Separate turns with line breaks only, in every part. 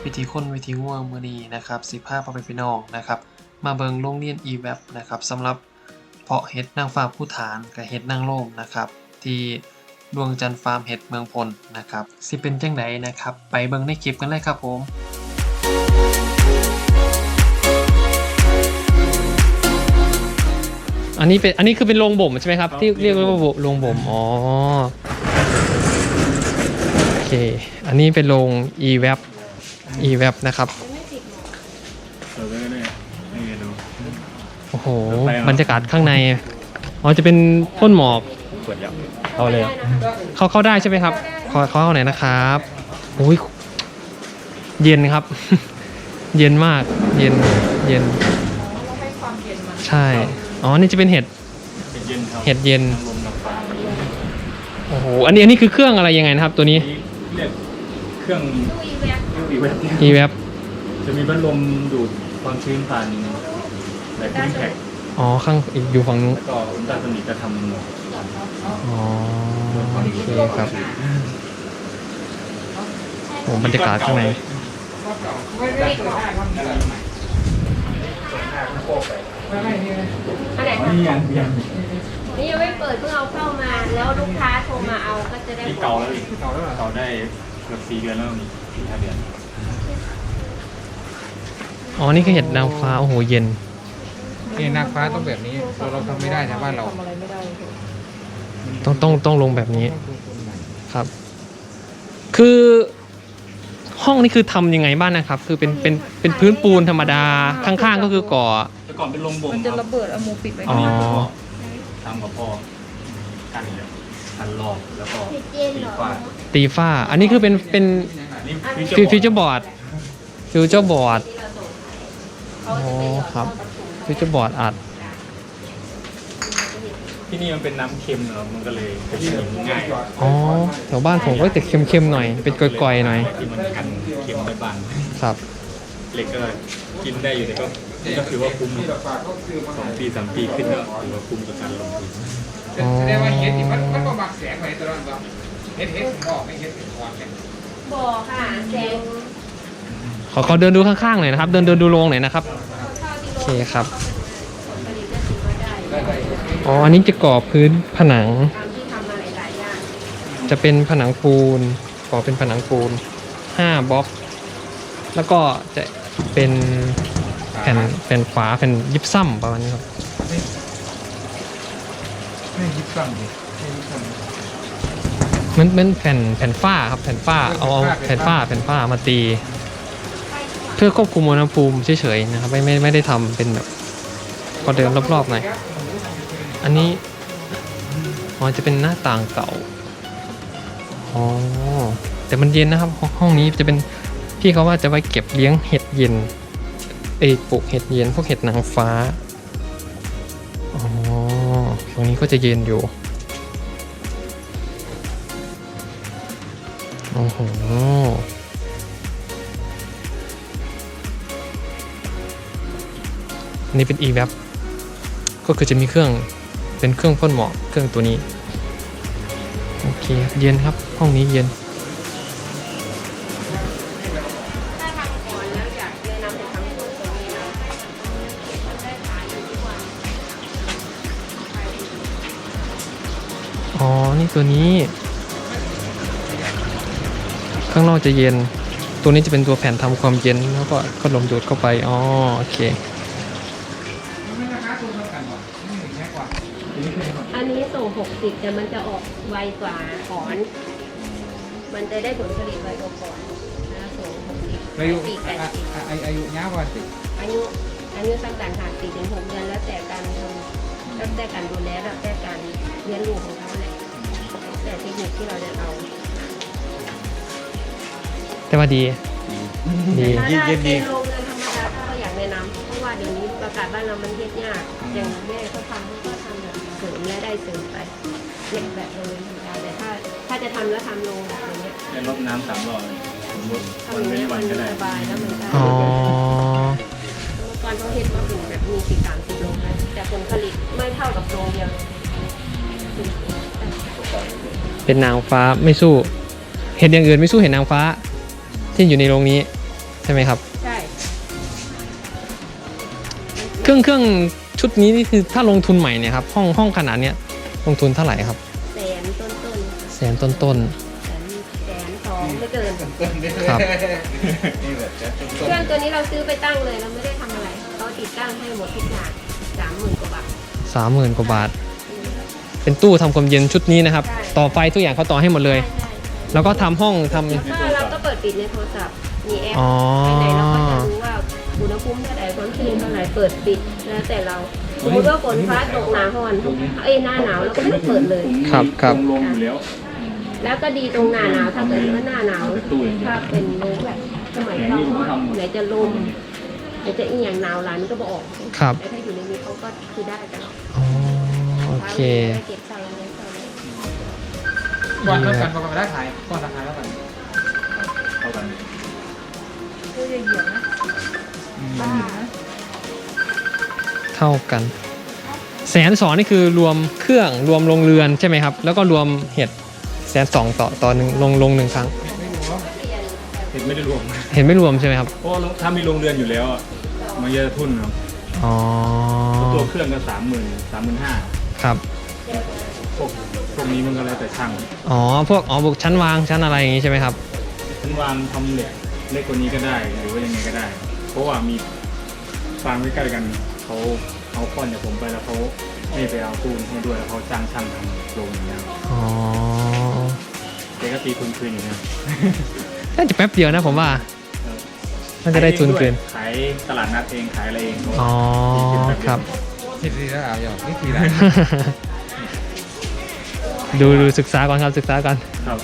วิธีคนวิธีง่วงมื้อนี้นะครับสิพาพ่อแม่พี่น้องนะครับมาเบิ่งโรงเรียน EVAP นะครับสำหรับเพาะเห็ดนางฟ้าภูฐานกับเห็ดนางโล่งนะครับที่ดวงจันทร์ฟาร์มเห็ดเมืองพลนะครับสิเป็นจังไดนะครับไปเบิ่งในคลิปกันเลยครับผมอันนี้คือเป็นโรงบ่มใช่ไหมครับที่เรียกว่าโรงบ่มอ๋อโอเคอันนี้เป็นโรง EVAP นะครับโอ้โหบรรยากาศข้างในอ๋อจะเป็นพ่นหมอกเอาเลยเข้าได้ใช่ไหมครับเข้าไหนนะครับโอ้ยเย็นครับ เย็นมากเย็นใช่อ๋อนี่จะเป็นเห็ดเย็นโอ้โหอันนี้คือเครื่องอะไรยังไงนะครับตัวนี้
เรียกเครื่อง
EVAP
จะมีพัดลมดูดความชื้นผ่านแบบคูลิ่งแพ็ค
อ๋อข้างอีกอยู่ฝั่งนู้น
แล้วก็อุลตราโซนิกจะทำ
อ๋อโอเคครับโอ้บรรยากาศข้างใน
นี่ยัง
ไม่เปิดเพิ่งเอาเข้ามาแล้วลูกค้าโทรมาเอาก็จะได้
เก่าแล้วเก่าได้เกือบ4 เดือนแล้วนี่4-5 เดือน
อ๋อนี่คือเห็ดนางฟ้าโอ้โหเย็น
นี่นางฟ้าต้องแบบนี้เราทำไม่ได้นะบ้านเรา
ต้องลงแบบนี้ครับคือห้องนี้คือทำยังไงบ้างนะครับคือเป็นพื้นปูนธรรมดาข้างๆก็คือก่อ
แต่ก่อนเป็นโรงบ่ม
มันจะระเบิดเอาหมูปิดไว้
อ๋อ
ทำกับพ่อกันรอบแล้วก็
ตีฝ้าอันนี้คือเป็นฟิวเจอร์บอร์ดอ๋อครับฟิวเจอร์บอร์ดอัด
ที่นี่มันเป็นน้ำเค็มเนอะมันก็เลยกินง่าย
อ๋อแถวบ้านผมก็จะเค็มๆหน่อยเป็นก่อยๆหน่อย
ที่มันกันเค็มไม่บาน
ครับ
เหล็กก็กินได้อยู่แต่ก็คือว่าคุ้ม2 ปี 3 ปีขึ้นก็ถือว่าคุ้มกับการลงทุน
แสดงว่าเห็ดที่มันก็บักแสงไปตลอดว่าเห็ดผมบอกไม่เห็ดอ่อนเนี่ย
บอกค่ะแสง
ขอเดินดูข้างๆหน่อยนะครับเดินดูโรงหน่อยนะครับโอเคครับอ๋ออันนี้จะก่อพื้นผนังจะเป็นผนังปูนก่อเป็นผนังปูน5 บล็อกแล้วก็จะเป็นแผ่นฝาแผ่นยิบซ้ำประมาณนี้ครับ
ไม่ยิบซ้ำดิ
มันแผ่นฝ้าครับแผ่นฝ้าเอาแผ่นฝ้ามาตีเพื่อควบคุมอุณหภูมิเฉยๆนะครับไม่ได้ทำเป็นแบบก็เดินรอบๆหน่อยอันนี้อ๋อจะเป็นหน้าต่างเก่าอ๋อแต่มันเย็นนะครับห้องนี้จะเป็นพี่เขาว่าจะไว้เก็บเลี้ยงเห็ดเย็นปลูกเห็ดเย็นพวกเห็ดนางฟ้าอ๋อตรงนี้ก็จะเย็นอยู่โอ้โหอันนี้เป็น EVAP ก็คือจะมีเครื่องเป็นเครื่องพ่นหมอกเครื่องตัวนี้โอเคเย็นครับห้องนี้เย็น
ถ้าทำก่อนแล้วอยากแนะนำให้ทำตรงนี้นะมันได้ขายอยู่ทุกวัน
อ๋อนี่ตัวนี้ข้างนอกจะเย็นตัวนี้จะเป็นตัวแผ่นทำความเย็นแล้วก็พัดลมดูดเข้าไปอ๋อโอเค
อันนี้ส่ง60แต่มันจะออกไวกว่าถอนมันจะได้ผลผลิตไวกว่าถอนนะส่ง60
อายุยาวกว่าสิ
อายุตั้งแต่4 ถึง 6 เดือนแล้วแต่การทำแล้วแต่การดูแลแล้วแต่การเลี้ยงลูกของเขาแหละแต่เทคนิคที่เราจะเอา
แต่ว่าดี
ถ้าเป็นโรงเรือนธรรมดาถ้าเราอยากแนะนำเพราะว่าเดี๋ยวนี้ประกาศบ้านเรามันเฮ็ดยากอย่างแม่เขาทำแบบเสริมและได้เสริมไปเล็กแบบโรงเรือนธรรมดาแต่ถ้าจะทำแล้วทำโรงแบบนี้
จะลดน้ำ3 รอบ
ทำอย่างนี้มันสบายแล้วมันได้ก่อนเขาเฮ็ดมาถึงแบบมี30 โรงนะแต่ผลผลิตไม่เท่ากับโรงเดียว
เป็นนางฟ้าไม่สู้เห็ดอย่างอื่นไม่สู้เห็ดนางฟ้าที่อยู่ในโรงนี้ใช่ไหมครับ
ใช่
เครื่องชุดนี้นี่คือถ้าลงทุนใหม่เนี่ยครับห้องขนาดเนี้ยลงทุนเท่าไหร่ครับ
แสนต้น
แสนต้น
แสนสองไม่เกิน
ครับ
นี่แบบจะ
เครื่องตัวนี้เราซื้อไปตั้งเลยเราไม่ได้ทำอะไรเขาติดตั้งให้หมดทุกอย่าง30,000 กว่าบาท
ๆ 30,000 กว่าบาท เป็นตู้ทำความเย็นชุดนี้นะครับ
ใช่
ต่อไฟทุกอย่างเขาต่อให้หมดเลย
ใช่
แล้วก็ทำห้องทำ
แล้วก็เราก็เปิดปิดในโทรศัพท์มีแอป
อ๋อ
ไปไหนเราก็จะรู้ว่าอุณหภูมิเท่าไหร่ความชื้นเท่าไหร่เปิดปิดแล้วแต่เราสมมติว่าฝนฟ้าตกหนาฮ้อนหน้าหนาวเราก็ไม่ต้องเปิดเลย
ครับครับ
ลงอยู่แล้ว
แล้วก็ดีตรงหน้าหนาวถ้าเกิดว่าหน้าหนาวถ้าเป็นโลงแบบสมัยเราไหนจะลมไหนจะอีหยังหนาวหลานก็บออก
ครับ
แต่ถ้าอยู่ในนี้เขาก็คือได้ตลอด
อ๋อโอเค
เก็บสั่งอะไรสั่งอะไร
ก่อนเท่ากันประมาณราคาก่อนราคาเท่ากัน
เท่ากัน
คือเหยียบนะบ้า
เท่ากัน120,000นี่คือรวมเครื่องรวมโรงเรือนใช่ไหมครับ แล้วก็รวมเห็ด120,000ต่อหนึ่งลงหนึ่งครั้ง
เห็นไม่ได้รวม
เห็นไม่รวมใช่ไหมครับ
เพราะถ้ามีโรงเรือนอยู่แล้วอะมันจะทุนครับ
อ๋อ
ตัวเครื่องก็30,000 35,000
ครับ
พวกนี้มันก็แล้วแต่ช่าง
อ๋อบุกชั้นวางชั้นอะไรอย่างงี้ใช่ไหมครับ
ชั้นวางทำเหล็กเล็กกว่านี้ก็ได้หรือว่ายังไงก็ได้ เพราะว่ามีฟางใกล้ๆกันเขาเอาก้อนจากผมไปแล้วเขาไม่ไปเอาปูนให้ด้วยแล้วเขาจ้างช่างทำโรงอย่างเงี้ย
อ๋อ
เด็กก็ตีทุนคืนอย่างเงี้ย
น่าจะแป๊บเดียวนะผมว่า น่าจะได้ทุนคืน
ขายตลาดนัดเองขายอะไรเอง
อ๋อครับ
ทีทีแล้วเอาอย่างนี่ทีละ
ดูศึกษาก่อนครับศึกษาก่อน
ครับ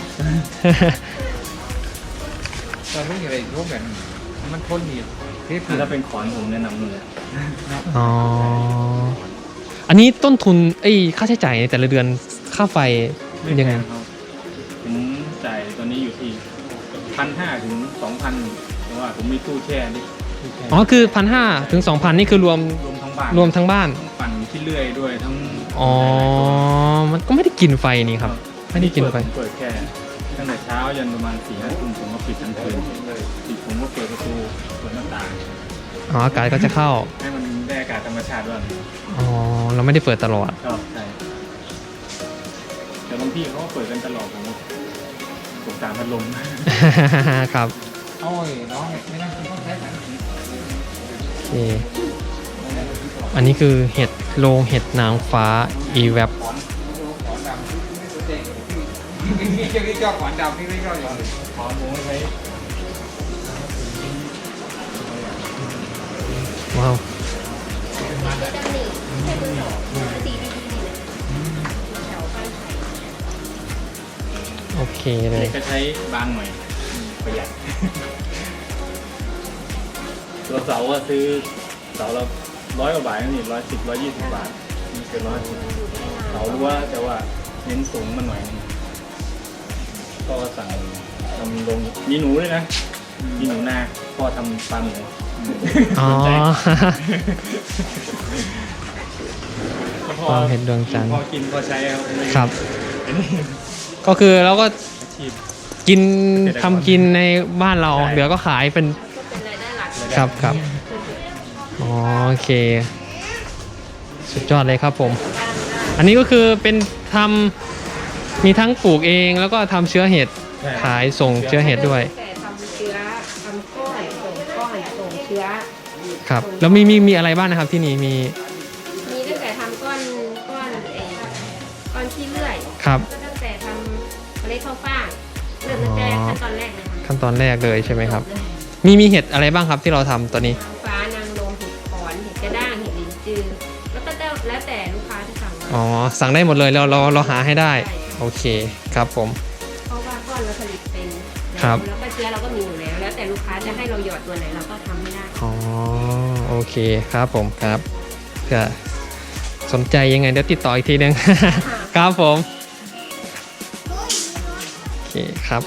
ตอนลูกอะไรลูกแบบมันพ่นดีที่คือ
ถ้าเป็นขอนผมแนะนำเลย
อ๋อ อันนี้ต้นทุนค่าใช้จ่ายในแต่ละเดือนค่าไฟเป็นยังไง
ครับผมจ่ายตอนนี้อยู่ที่1,500 ถึง 2,000เพราะว่าผมมีตู้แช่นี่ตู้แช่
อ๋อคือ1,500 ถึง 2,000นี่คือรวม
รวมทั้งบ้าน
รวมทั้งบ้าน
ทั้งปั่นที่เลื่อยด้วยทั้ง
อ๋อ มันก็ไม่ได้กินไฟนี่ครับ ไม่ได้กินไฟ
ผมเปิดแค่ตั้งแต่เช้ายันประมาณ4-5 ทุ่มผมก็ปิดทั้งคืนปิดผมก็เปิดประตูเปิดหน้าต่าง
อ๋อ อากาศก็จะเข้า
ให้มันได้อากาศธรรมชาติด้วย
อ๋อ เราไม่ได้เปิดตลอด
ก็ใช่แต่บางที่เขาก็เปิดกันตลอดผมตามพัดลม
ครับ
โอ้ยน้องไม่นั่งกินข้าวแท้กัน
โอเค อันนี้คือเห็ดโรงเห็ดนางฟ้า e-web
ขอนดำนี่เจ้าขอนดำนี่ไม่ชอบอย่างอื่น
ขอหมูไว้
ว้าว
จะดำหนิแค่มือสองสีดีๆแถวบ้านไผ่
โอเคเลย
ก็ใช้บางหน่อยประหยัด ตัวเสาอะซื้อเสาละ100 กว่าบาทนี่110 120 บาทมีเกิน110เสารู้ว่าแต่ว่าเน้นสูงมาหน่อยนึงก็สั่งทำลงมีหนูด้วยนะมีหนูนาพ่อทำปลาหมู
อ๋อ
สนใจ
ความเห็นดวงจันทร์
พอกินพอใช้ครับ
ครับ
อันนี้
ก็คือเราก็
อาชีพ
กินทำกินในบ้านเรา
ใช่
เหลือก็ขายเป็น
ก็เป็นรายได้หลัก
ครับครับอ๋อโอเค สุดยอดเลยครับผม อันนี้ก็คือเป็นทำมีทั้งปลูกเองแล้วก็ทำเชื้อเห็ด
ใช่
ขายส่งเชื้อเห็ดด้วย
แต่ทำเชื้อทำก้อนส่งก้อนส่งเชื้อ
ครับ แล้วมีอะไรบ้างนะครับที่นี่มี
มีตั้งแต่ทำก้อนก้อนขี้เลื่อย
ครับ
ก็ตั้งแต่ทำเมล็ดข้าวฟ่างเริ่มตั้งแต่ขั้นตอนแรกเลยค่ะ
ขั้นตอนแรกเลยใช่ไหมครับ
จเลย
มีเห็ดอะไรบ้างครับที่เราทำตอนนี้
นางฟ้านางรมเห็ดขอนเห็ดกระด้างเห็ดลินจือแล้วก็แล้วแต่ลูกค้าที่สั่งมา
อ๋อสั่งได้หมดเลยเราหาให้ได้ โอเคครับผม
เพราะว่าก้อนเราผลิตเป็น
ครับ
แล้วก็เชื้อเราก็มีอยู่แล้ว แล้วแต่ลูกค้าจะให้เราหยอดตัวไหนเราก็ทำให้ได้
อ๋อโอเคครับผมครับเผื่อสนใจยังไงเดี๋ยวติดต่ออีกทีนึง ครับผมโอเคครับ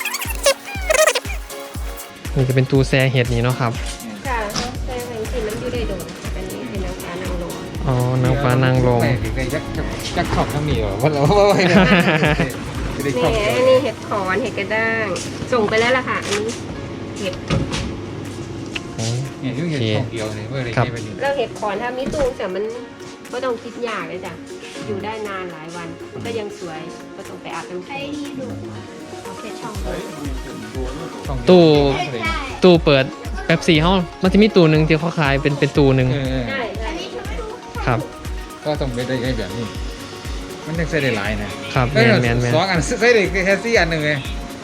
นี่จะเป็นตู้แช่เห็ดนี้เนาะครับ
ค่ะแต่บางทีมันอยู่ได้โดนอันนี้เป็นนางฟ้านางรม
อ๋อนางฟ้านางลม
แปลกดีเลยยักษ์ชอบทั้งนี้เหรอว่าเราไม่ได้ชอบ
นี่อันนี้เห็ดขอนเห็ดกระด้าง ส่งไปแล้วล่ะค่ะ อันนี้เห็ด
เนี่ยยุ่งเห็ดช่องเดียวเลยเมื่อไร
ครับ
ไปนี่
แล้วเห็ดขอนถ้ามีตู้แต่มันก็ต้องคิดยากเลยจ้ะอยู่ได้นานหลายวันมันก็ยังสวยก็ต้องไปอาบน้ำแข็งเอาแค่ช่องเดียว
ช่องเดียว
ตู้ตู้เปิดแป๊บซี่เฮามันจะมีตู้หนึ่งที่เขาขายเป็นตู้หนึ่ง
ใช่ใช่
ครับ
ก็ต้องไปได้ไอ้แบบนี้ มันยังใส่ได้หลายนะครับ
แมน
สองอันใส่ได้แค่4 อันหนึ่งเลย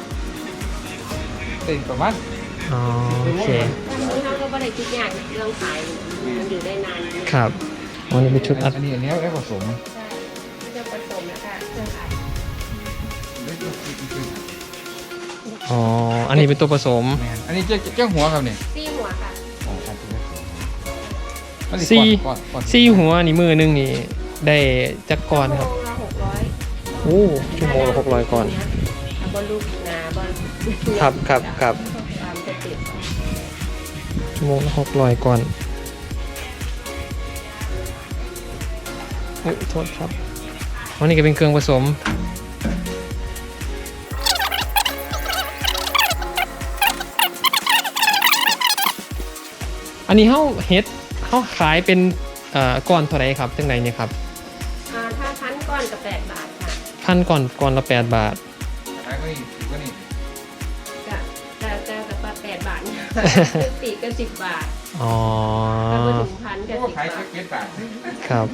ได้ประมาณ
อ๋อโอเค
ตอนนี้เขาก็ไม่ได้คิดยากเรื่องขายมันอยู่ได้นาน
ครับวันนี้เป็นชุดอัด
อันนี้แล้วผสม
ใช่ก็จะผสมแล้วก็เครื่องอัด
อ๋ออันนี้เป็นตัวผสม
แมนอันนี้เจ้าหัวครับเนี่ย
ซี่หัวค่ะ
ซี่หัวนี่มือหนึงนี่ได้จักก่อนครับ
ชั่วโมงละ600
โอ้ชั่วโมงละ600ก่อน
เอาบอลลูกหนาบอล
ครับครับ
ตามสเต็ป
ชั่วโมงละ600ก่อนเฮ้ยโทษครับอันนี้ก็เป็นเครื่องผสมอันนี้เฮ็ดเขาขายเป็นก้อนเท่าไหร่ครับจังไหนเนี่ยครับ
ถ้าพันก้อนกับ8 บาทค่ะ
พันก้อนละ8 บาท
ขายก็นี่ก็นี่
จะกับ8 บาทเนี่ยปีกก็10 บาท
อ๋อ
ถ้ามาถึงพันก็
ก็
10
ขาย
บาท
แค่7 บาท
ครับ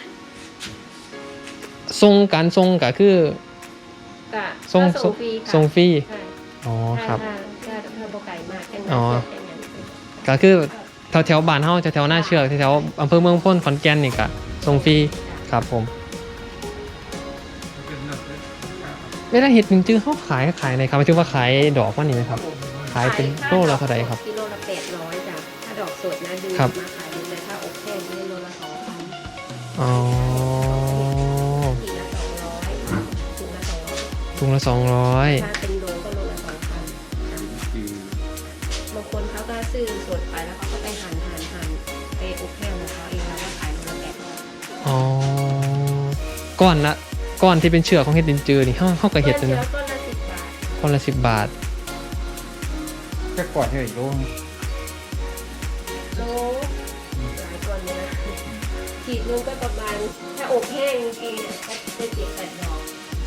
ทรงก็คือ
ก็
ทรง
ส่งฟรีค่ะ
ทรงฟรี
ใช่
อ๋อครับ
ถ้าบ่ไก่มากแค่
อ๋อ
นั้น
ก็คือแถวบ้านเฮาแถวหน้าเชือกแถวอำเภอเมืองพ้นขอนแก่นนี่ก็ทรงฟรีครับผมเวลาเห็ดหนึ่งจื้อเขาขายในครับหมายถึงว่าขายดอกว่านี่ไหมครับ ขายเป็นโลละเท่าไหร่ครับ
กิโลละ800จ้ะถ้าดอกสดนะดู
ครับ
มาขายดูเลยถ้าอบแห้งนี่โลละ2,000
อ๋อ
ขีดละ200ถุงละ200
ถุงละ200
ถ้าเป็นโลก็โลละ2,000บางคนเขาก็ซื้อสดไปแล้วเขาก็ไปหั่นไปอบแห้งของเขาเองแล้วก็ขายโลละ800
อ๋อก้อนที่เป็นเชือกของเห็ดดินจือนี่เฮาก็เห็ดเลย
เชื้อ
นะ
ต้นละ10 บาท
ก้อนละ10 บาท
แค่ก่อนที่อีกโลนึง
โลหลายตัวเลยนะขีดนึงก็ประมาณถ้าอบแห้งจริงๆเนี่ยก็จะ7-8 ดอก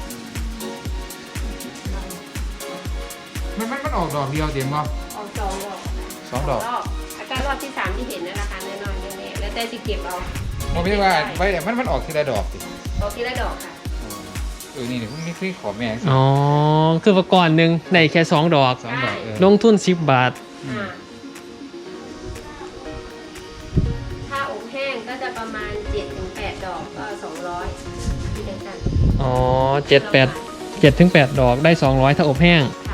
มันออกดอกเดียวเต็มป่ะ
ออก2 ดอก
2 ดอก
รอบอาการรอบที่ 3ที่เห็นนะราคาน้อยๆแน่ๆแล้วแต่สิเก็บเอา
ผมไม่ว่าไว้แต่มันออกทีละดอกสิ
ออกทีละดอกค่ะ
นี่ผมไม่เคยขอแม่
อ๋อคือว่าก้อนหนึงได้แค่2 ดอก
2 ดอก
ลงทุน10 บาท
อ่าถ้าอบแห้งก็จะประมาณ 7-8 ดอกก็200ที่เดียวกัน
อ๋อ7-8 ดอกได้200ถ้าอบแห้ง
ค่ะ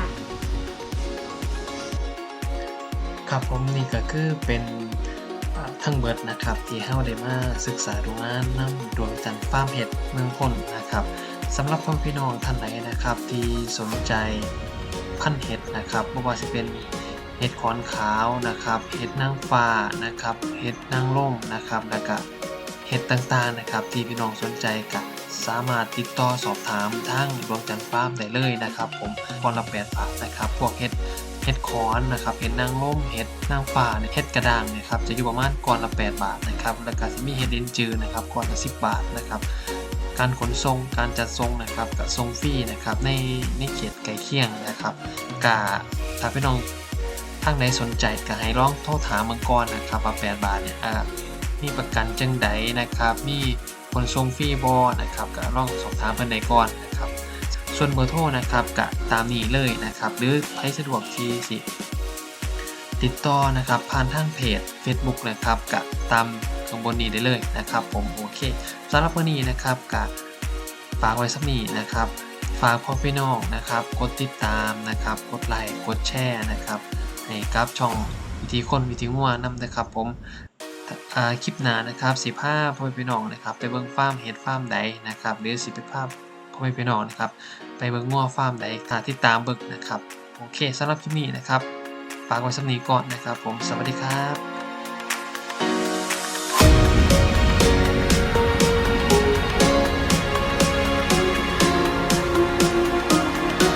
ครับผมนี่ก็คือเป็นทั้งเบิดนะครับที่เฮาได้มาศึกษาดูงานนำดวงจันทร์ฟาร์มเห็ดเมืองพ้นนะครับสำหรับพ่อพี่น้องท่านไหนนะครับที่สนใจพันธุ์เห็ดนะครับไม่ว่าจะเป็นเห็ดขอนขาวนะครับเห็ดนางฟ้านะครับเห็ดนางร่มนะครับแล้วก็เห็ดต่างๆนะครับที่พี่น้องสนใจก็สามารถติดต่อสอบถามทางดวงจันทร์ฟาร์มได้เลยนะครับผมก้อนละ8 บาทนะครับพวกเห็ดขอนนะครับเห็ดนางร่มเห็ดนางฟ้าเห็ดกระด้างเนี่ยครับจะอยู่ประมาณก้อนละ8 บาทนะครับแล้วก็จะมีเห็ดลิ้นจือนะครับก้อนละ10 บาทนะครับการขนส่งการจัดส่งนะครับกับส่งฟรีนะครับในเขตใกล้เคียงนะครับกะถ้าพี่น้องทางไหนสนใจก็ให้ลองโทรถามเมืองก่อนนะครับว่า8 บาทเนี่ยมีประกันจังใดนะครับมีขนส่งฟรีบ่นะครับก็ลองสอบถามเพิ่นได้ก่อนนะครับส่วนเบอร์โทรนะครับก็ตามนี้เลยนะครับหรือใครสะดวกที่สิติดต่อนะครับผ่านทางเพจ Facebook นะครับก็ตามข้างบนนี้ได้เลยนะครับผมโอเคสำหรับวันนี้นะครับก็ฝากไว้สักนี้นะครับฝากพ่อพี่น้องนะครับกดติดตามนะครับกดไลค์กดแชร์นะครับให้กับช่องวิธีคนวิธีงัวนำนะครับผมคลิปหน้านะครับ15พ่อพี่น้องนะครับไปเบิ่งฟาร์มเห็ดฟาร์มใดนะครับหรือสิไปภาพพ่อพี่น้องนะครับไปเบิ่งงัวฟาร์มใดติดตามเบิ่งนะครับโอเคสำหรับคลิปนี้นะครับฝากไว้สักนี้ก่อนนะครับผมสวัสดีครับ